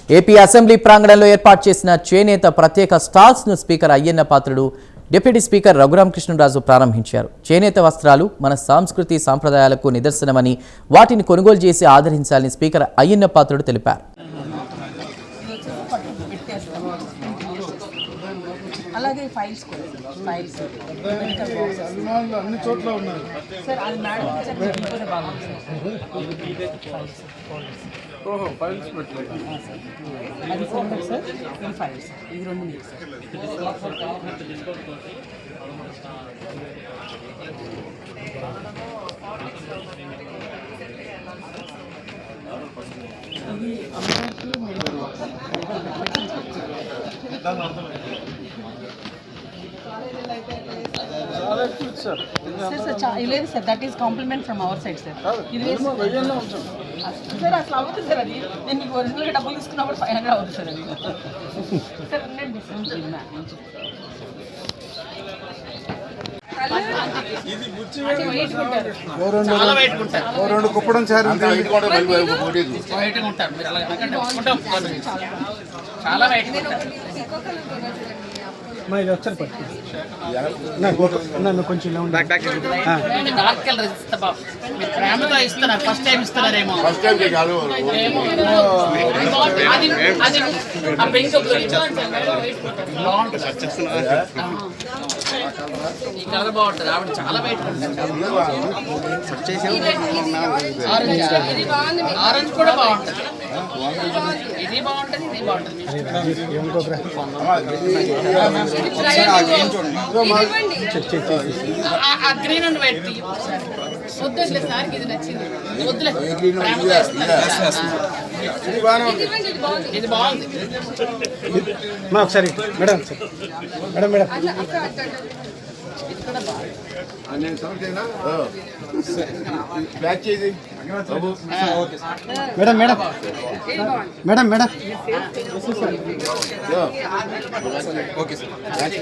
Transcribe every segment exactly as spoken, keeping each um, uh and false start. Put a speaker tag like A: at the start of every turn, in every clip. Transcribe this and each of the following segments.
A: AP assembly ప్రాంగణంలో ఏర్పాటు చేసిన చేనేత ప్రత్యేక స్టాల్స్ ను speaker Ayyanna Patrudu deputy speaker Raghuramakrishnaraju ప్రారంభించారు. చేనేత వస్త్రాలు మన సంస్కృతి సాంప్రదాయాలకు నిదర్శనమని వాటిని కొనుగోలు చేసి ఆదరించాలని స్పీకర్ అయ్యన్న పాత్రుడు తెలిపారు.
B: అలాగే ఫైల్స్ కూడా ఫైల్స్ మెడికల్ బాక్సెస్
C: అన్ని చోట్ల ఉన్నాయి
B: సార్. అది మేడం చెప్పితే బాగుంది సార్.
C: ఓహో ఫైల్స్ పెట్టలేదు
B: అది ఫోల్డర్ సార్, ఇది ఫైల్స్, ఇది రెండు మీకు సార్. ఇది అమ్మకి సార్ సార్ లేదు sir, that is compliment from our side sir. ఇది సార్ అసలు అవుతుంది సార్. అది నేను మీకు ఒరిజినల్గా డబ్బులు తీసుకున్నప్పుడు ఫైవ్ హండ్రెడ్ అవుతుంది సార్. అది సార్ ఉండండి
C: రెండు కుప్పడం సార్
B: చాలా వైట్
D: ఇది ఒకసారి పట్టు నన్ను కొంచెం
B: డార్క్ కలర్ ఇస్తా బాబు. మీరు ప్రేమతో ఇస్తున్నారు, ఫస్ట్ టైం ఇస్తున్నారేమో. అది అది ఆ పింక్ ఈ కలర్ బాగుంటుంది. ఆవిడ చాలా వైట్ ఆరెంజ్ కూడా బాగుంటుంది. ఇది బాగుంటుంది, ఇది బాగుంటుంది. గ్రీన్ అండ్ వైట్ వద్దులే సార్, ఇది నచ్చింది. వద్దులే ఇది బాగుంది.
D: ఒకసారి madam madam madam madam madam madam madam
C: okay sir.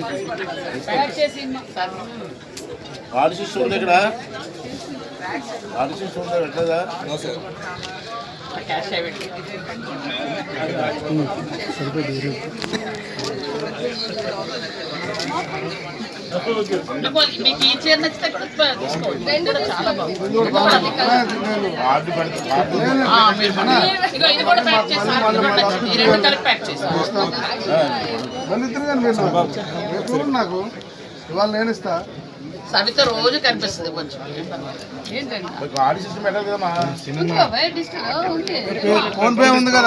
E: Artist ఉంది ఇక్కడ, ఆర్టిస్ట్ ఉంది ఎట్లదా
B: క్యాష్ అయిపోయింది. మీకు ఈ చీర నచ్చితే తీసుకోండి, చాలా బాగుంది. ఇది కూడా ప్యాక్ చేస్తాను, ఈ రెండు కలిపి ప్యాక్ చేస్తాను.
C: నాకు ఇవాళ నేను ఇస్తా.
B: సవిత రోజు కనిపిస్తుంది కొంచెం. ఏంటండి
E: ఆర్టిస్ట్ పెట్టాలి కదమ్మా.
C: ఫోన్ పే ఉంది కదా.